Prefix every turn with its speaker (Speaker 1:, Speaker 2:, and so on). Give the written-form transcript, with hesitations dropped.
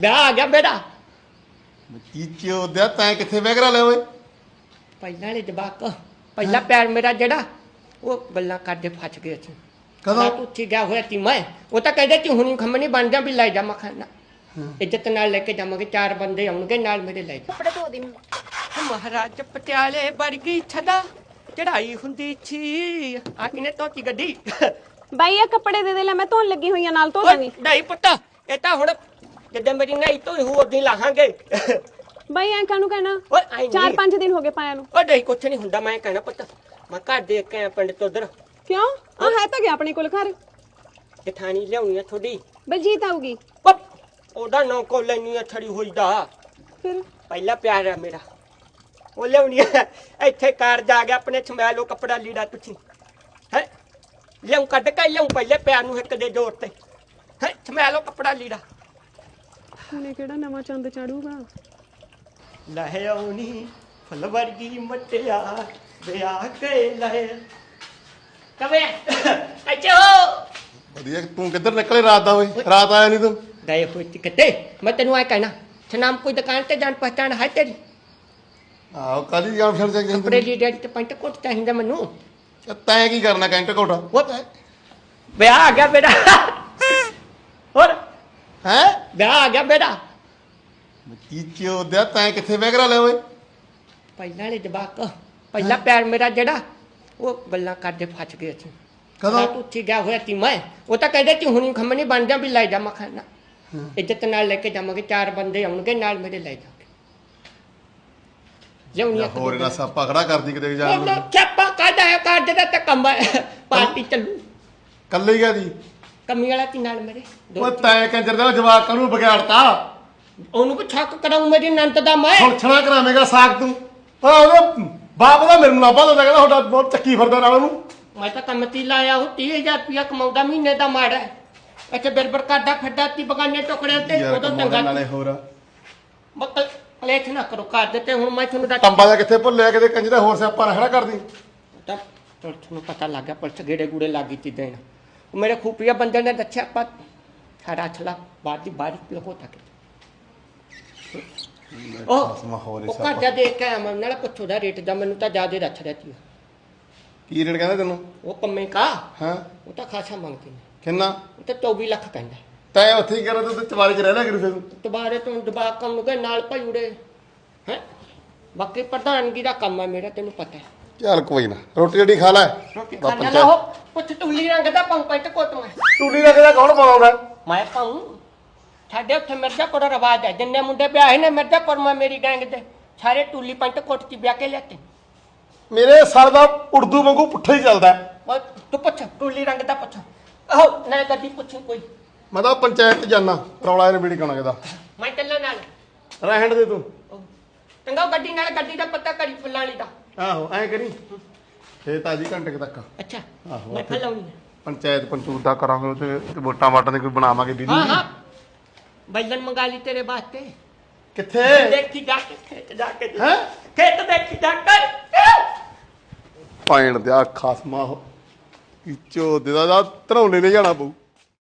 Speaker 1: ਵਿਆਹ ਆ ਗਿਆ ਬੇਟਾ।
Speaker 2: ਚੀਚੇ ਉਹਦਾ ਤੈਂ ਕਿੱਥੇ ਵੈਗਰਾ ਲਿਆ ਓਏ?
Speaker 1: ਪਹਿਲਾਂ ਵਾਲੇ ਜਵਾਕ ਪਹਿਲਾ ਪਿਆਰ ਮੇਰਾ ਜਿਹੜਾ ਉਹ ਗੱਲਾਂ ਕਰਦੇ ਫਸ ਗਏ ਸੀ।
Speaker 2: ਕਦੋਂ?
Speaker 1: ਤੂੰ ਉੱਥੇ ਗਿਆ ਹੋਇਆ ਸੀ ਮੈਂ। ਉਹ ਤਾਂ ਕਹਿੰਦੇ ਤੂੰ ਹੁਣੀ ਖੰਮਣੀ ਬਣ ਜਾ ਵੀ ਲੈ ਜਾ ਮਖਾਨਾ। ਇੱਜ਼ਤ ਨਾਲ ਲੈ ਕੇ ਜਾਵਾਂਗੇ, 4 ਬੰਦੇ ਆਉਣਗੇ ਨਾਲ ਮੇਰੇ ਲੈ ਜਾ।
Speaker 3: ਕੱਪੜੇ ਧੋ ਦੇ
Speaker 1: ਮਹਾਰਾਜ ਪਟਿਆਲੇ ਵਰਗੀ ਛਦਾ ਚੜਾਈ ਹੁੰਦੀ ਸੀ। ਆ ਕਿਨੇ ਧੋਤੀ ਗੱਡੀ?
Speaker 3: ਬਾਈ ਇਹ ਕੱਪੜੇ ਦੇ ਲੈ, ਮੈਂ ਧੋਣ ਲੱਗੀ ਹੋਈ ਆ, ਨਾਲ ਧੋ
Speaker 1: ਓਏ
Speaker 3: ਦੇਵੀਂ।
Speaker 1: ਨਹੀਂ ਪੁੱਤ, ਇਹ ਤਾਂ ਹੁਣ ਜਦੋਂ ਮੇਰੀ ਨਹੀਂ ਧੋਈ ਹੋ ਉਦੋਂ ਲਾਹਾਂਗੇ।
Speaker 3: ਬਾਈ ਐਂ ਕਾਹਨੂੰ ਕਹਿਣਾ?
Speaker 1: ਓਏ ਆਈ
Speaker 3: 4-5 ਦਿਨ ਹੋ ਗਏ ਪਾਇਆ ਨੂੰ।
Speaker 1: ਓ ਨਹੀਂ ਕੁਛ ਨਹੀਂ ਹੁੰਦਾ, ਮੈਂ ਕਹਿਣਾ ਪੁੱਤ ਮੈਂ ਘਰ ਦੇਖ ਕੇ ਆਇਆ ਪਿੰਡ ਤੋਂ ਉਧਰ।
Speaker 3: ਕਿਉਂ? ਆ ਹੈ ਤਾਂ ਗਿਆ ਆਪਣੇ ਕੋਲ ਘਰ।
Speaker 1: ਜਠਾਣੀ ਲਿਆਉਣੀ ਆ ਥੋੜੀ।
Speaker 3: ਬਲਜੀਤ ਆਊਗੀ
Speaker 1: ਉਹਦਾ ਨਾਂ ਕੋ ਲੈਣੀ ਆ ਛੜੀ ਹੋਈ ਦਾ।
Speaker 3: ਫਿਰ
Speaker 1: ਪਹਿਲਾ ਪਿਆਰ ਆ ਮੇਰਾ, ਉਹ ਲਿਆਉਣੀ ਆ। ਇੱਥੇ ਕਾਰ ਜਾ ਗਿਆ ਆਪਣੇ ਸਮੈਲ ਉਹ ਕੱਪੜਾ ਲੀੜਾ ਤੁਸੀਂ ਹੈ ਲਿਆਉਂ ਕੱਢ ਕੇ ਲਿਆਉਂ ਪਹਿਲੇ ਪਿਆਰ ਨੂੰ ਇੱਕ ਦੇ ਜ਼ੋਰ ਤੇ ਹੈ ਸਮੈਲ ਉਹ ਕੱਪੜਾ ਲੀੜਾ।
Speaker 3: ਹੁਣੇ ਕਿਹੜਾ ਨਵਾਂ ਚੰਦ ਚੜੂਗਾ?
Speaker 1: ਲਹਿ ਆਉਣੀ ਫੁੱਲ ਵਰਗੀ ਮਟਿਆ ਵਿਆਹ ਕੇ ਲਹਿ ਕਵੇ ਅੱਛੋ
Speaker 2: ਵਧੀਆ। ਤੂੰ ਕਿੱਧਰ ਨਿਕਲੇ ਰਾਤ ਦਾ ਓਏ? ਰਾਤ ਆਇਆ ਨਹੀਂ ਤੂੰ?
Speaker 1: ਗਏ ਹੋਏ ਸੀ ਕਿਤੇ। ਮੈਂ ਤੈਨੂੰ ਆ ਕਹਿਣਾ ਛਨਾਮ ਕੋਈ ਦੁਕਾਨ ਤੇ ਜਾਣ ਪਹਿਚਾਣ ਹੈ ਤੇਰੀ?
Speaker 2: ਆਹੋ ਕਾਲੀ ਜਾਣ ਫਿਰ ਜਾ
Speaker 1: ਕੱਪੜੇ ਲੀੜੇ ਤੇ ਪੈਂਟ ਕੋਟ ਚਾਹੀਦਾ ਮੈਨੂੰ।
Speaker 2: ਤੈਂ ਕੀ ਕਰਨਾ ਕੈਂਟ ਕੋਟਾ?
Speaker 1: ਉਹ ਵਿਆਹ ਆ ਗਿਆ ਬੇਟਾ। ਹੋਰ
Speaker 2: ਹੈ
Speaker 1: ਵਿਆਹ ਆ ਗਿਆ ਬੇਟਾ।
Speaker 2: ਚੀਚੇ ਉਹਦਾ ਤੈਂ ਕਿੱਥੇ ਵੈਗਰਾ ਲਿਆ ਓਏ?
Speaker 1: ਪਹਿਲਾਂ ਵਾਲੇ ਜਵਾਕ ਪਹਿਲਾ ਪਿਆਰ ਮੇਰਾ ਜਿਹੜਾ ਉਹ ਗੱਲਾਂ ਕਰਦੇ ਫਸ ਗਏ ਸੀ।
Speaker 2: ਕਦੋਂ?
Speaker 1: ਤੂੰ ਉੱਥੇ ਗਿਆ ਹੋਇਆ ਸੀ ਮੈਂ। ਉਹ ਤਾਂ ਕਹਿੰਦੇ ਤੂੰ ਹੁਣੀ ਖੰਮਣੀ ਬਣ ਜਾ ਵੀ ਲੈ ਜਾ ਮਖਾਨਾ। ਇੱਜ਼ਤ ਨਾਲ ਲੈ ਕੇ ਜਾਵਾਂਗੇ, 4 ਬੰਦੇ ਆਉਣਗੇ ਨਾਲ ਮੇਰੇ ਲੈ ਜਾਵਾਂਗੇ। ਲਿਆਉਣੀ
Speaker 2: ਹੋਰ ਇਹਨਾਂ ਸਾਪਾ ਖੜਾ ਕਰਦੀ ਕਿਤੇ ਜਾਣ ਨੂੰ।
Speaker 1: ਚੱਪਾ ਕਾਢਾ ਹੈ ਕਾਢ ਦਾ ਤਾਂ ਕੰਮ ਹੈ। ਪਾਰਟੀ ਚੱਲੂ
Speaker 2: ਕੱਲੇ ਗਿਆ ਦੀ
Speaker 1: ਕਮੀ ਵਾਲਾ ਤੀ ਨਾਲ ਮੇਰੇ ਦੋ।
Speaker 2: ਓਏ ਤੈਂ ਕੰਜਰ ਦਾ ਜਵਾਕ ਨੂੰ ਵਿਗਾੜਤਾ।
Speaker 1: ਉਹਨੂੰ ਵੀ ਛੱਕ ਕਰਾਉਂ ਮੇਰੀ ਨੰਤ ਦਾ ਮੈਂ।
Speaker 2: ਹੁਣ ਛਣਾ ਕਰਾਵੇਂਗਾ ਸਾਖ ਤੂੰ। ਆ ਉਹਦਾ ਬਾਪ ਦਾ ਮੇਰੇ ਨੂੰ ਲਾਭਾ ਦਿੰਦਾ, ਕਹਿੰਦਾ ਤੁਹਾਡਾ ਬਹੁਤ ਚੱਕੀ ਫਿਰਦਾ ਨਾਲ ਉਹਨੂੰ।
Speaker 1: ਮੈਂ ਤਾਂ ਕੰਮ ਤੀ ਲਾਇਆ ਉਹ 30,000 ਰੁਪਇਆ ਕਮਾਉਂਦਾ ਮਹੀਨੇ ਦਾ ਮਾੜਾ ਹੈ। ਇੱਥੇ ਬਿਰਬਰ ਕਾਢਾ ਫੱਡਾ ਤੀ ਬਗਾਨੇ ਟੁਕੜਿਆਂ ਤੇ ਉਦੋਂ ਚੰਗਾ
Speaker 2: ਨਾਲੇ ਹੋਰ
Speaker 1: ਮੱਕਲ ਕਲੇਸ਼ ਨਾ ਕਰੋ ਕਰ ਦਿੱਤੇ। ਹੁਣ ਮੈਂ ਤੁਹਾਨੂੰ
Speaker 2: ਟੰਬਾ ਜਾ ਕਿੱਥੇ ਭੁੱਲਿਆ ਕਿਤੇ ਕੰਜਰਾ ਹੋਰ ਸਿਆਪਾ ਨਾ ਖੜਾ ਕਰਦੀ।
Speaker 1: ਤਾਂ ਤੁਹਾਨੂੰ ਪਤਾ ਲੱਗ ਗਿਆ ਪੁਲਿਸ ਗੇੜੇ ਗੂੜੇ ਲੱਗੀ ਤੀ ਦੇਣ। ਉਹ ਮੇਰੇ ਖੂਪੀਆ ਬੰਦੇ ਨੇ ਦੱਸਿਆ ਆਪਾਂ ਸਾਡਾ ਛਲਾ ਬਾਅਦ ਦੀ ਬਾਰਿਸ਼ ਲਹੋ ਤੱਕ ਉਹ ਘਰ ਜਾ ਦੇਖ ਕੇ ਆਇਆ ਮੈਂ। ਨਾਲ ਪੁੱਛੋ ਦਾ ਰੇਟ ਦਾ ਮੈਨੂੰ ਤਾਂ ਜ਼ਿਆਦਾ ਦੱਸ ਰਿਹਾ ਸੀ।
Speaker 2: ਕੀ ਰੇਟ ਕਹਿੰਦਾ ਤੈਨੂੰ?
Speaker 1: ਉਹ ਪੰਮੇ ਕਾ
Speaker 2: ਹਾਂ
Speaker 1: ਉਹ ਤਾਂ ਖਾਸਾ ਮੰਗਦੇ ਨੇ।
Speaker 2: ਕਿੰਨਾ?
Speaker 1: ਉਹ ਤਾਂ 24 ਲੱਖ ਕਹਿੰਦਾ।
Speaker 2: ਤੈਂ ਉੱਥੇ ਹੀ ਕਰਾਂ ਤੂੰ ਚਵਾਰੇ 'ਚ ਰਹਿ ਲਿਆ ਕਰੀ ਫਿਰ।
Speaker 1: ਦੁਬਾਰੇ ਤੋਂ ਦਬਾ ਕੰਮ ਨੂੰ ਗਏ ਨਾਲ ਭਾਈ ਉੜੇ ਹੈ। ਬਾਕੀ ਪ੍ਰਧਾਨਗੀ ਦਾ ਕੰਮ ਹੈ ਮੇਰਾ, ਤੈਨੂੰ ਪਤਾ ਹੈ।
Speaker 2: ਚੱਲ ਕੋਈ ਨਾ, ਰੋਟੀ ਜਿਹੜੀ ਖਾ ਲੈ।
Speaker 1: ਖਾਣਾ ਨਾ ਹੋ ਪੁੱਛ ਟੁੱਲੀ ਰੰਗ ਦਾ ਪਾਉਂ ਪੈਂਟ ਕੋਟ ਮੈਂ।
Speaker 2: ਟੂਲੀ ਰੱਖਦਾ ਕੌਣ ਪਾਉਂਦਾ?
Speaker 1: ਮੈਂ ਪਾਉਂ ਸਾਡੇ ਉੱਥੇ ਮਿਰਜ਼ਾਪੁਰ ਰਿਵਾਜ ਹੈ। ਜਿੰਨੇ ਮੁੰਡੇ ਵਿਆਹੇ ਨੇ ਮਿਰਜ਼ਾਪੁਰ ਮੈਂ ਮੇਰੀ ਗੈਂਗ ਦੇ ਸਾਰੇ ਟੂਲੀ ਪੈਂਟ ਕੋਟ ਚ ਵਿਆਹ ਕੇ ਲਿਆਤੇ।
Speaker 2: ਮੇਰੇ ਸਰ ਦਾ ਉਰਦੂ ਵਾਂਗੂ ਪੁੱਠਾ ਹੀ ਚੱਲਦਾ।
Speaker 1: ਤੂੰ ਪੁੱਛ ਟੂਲੀ ਰੰਗ ਦਾ ਪੁੱਛ। ਆਹੋ ਨਾ ਕਦੀ ਪੁੱਛ ਕੋਈ।
Speaker 2: ਮੈਂ ਤਾਂ ਪੰਚਾਇਤ ਜਾਣਾ ਰੌਲਾ ਇਹਨੇ ਬੀੜੀ ਕਾਣਾ ਕਿਦਾ।
Speaker 1: ਮੈਂ ਚੱਲਾਂ ਨਾਲ
Speaker 2: ਰਹਿਣ ਦੇ ਤੂੰ।
Speaker 1: ਚੰਗਾ ਗੱਡੀ ਨਾਲ ਗੱਡੀ ਦਾ ਪਤਾ ਕਰੀ ਫੁੱਲਾਂ ਵਾਲੀ ਦਾ।
Speaker 2: ਆਹੋ ਐ ਕਰੀ ਫੇਰ ਤਾਜੀ ਘੰਟੇ ਤੱਕ।
Speaker 1: ਅੱਛਾ
Speaker 2: ਆਹੋ
Speaker 1: ਮੈਂ ਫਲਾਉਣੀ
Speaker 2: ਪੰਚਾਇਤ ਪੰਚੂਤ ਦਾ ਕਰਾਂਗੇ ਤੇ ਵੋਟਾਂ ਵਾਟਾਂ ਦੇ ਕੋਈ ਬਣਾਵਾਂਗੇ ਵੀਡੀਓ।
Speaker 1: ਹਾਂ ਹਾਂ ਬੈਲਨ ਮੰਗਾ ਲਈ ਤੇਰੇ ਵਾਸਤੇ।
Speaker 2: ਕਿੱਥੇ?
Speaker 1: ਦੇਖੀ ਜਾ ਕੇ ਖੇਤ ਜਾ ਕੇ
Speaker 2: ਹੈ
Speaker 1: ਖੇਤ ਦੇਖੀ ਜਾ ਕਰ
Speaker 2: ਪਾਇਣ ਦਿਆ ਖਾਸਮਾ ਹੋ ਚੋ ਦੇ ਦਾ ਧਰੌਲੇ ਲੈ ਜਾਣਾ ਪਊ।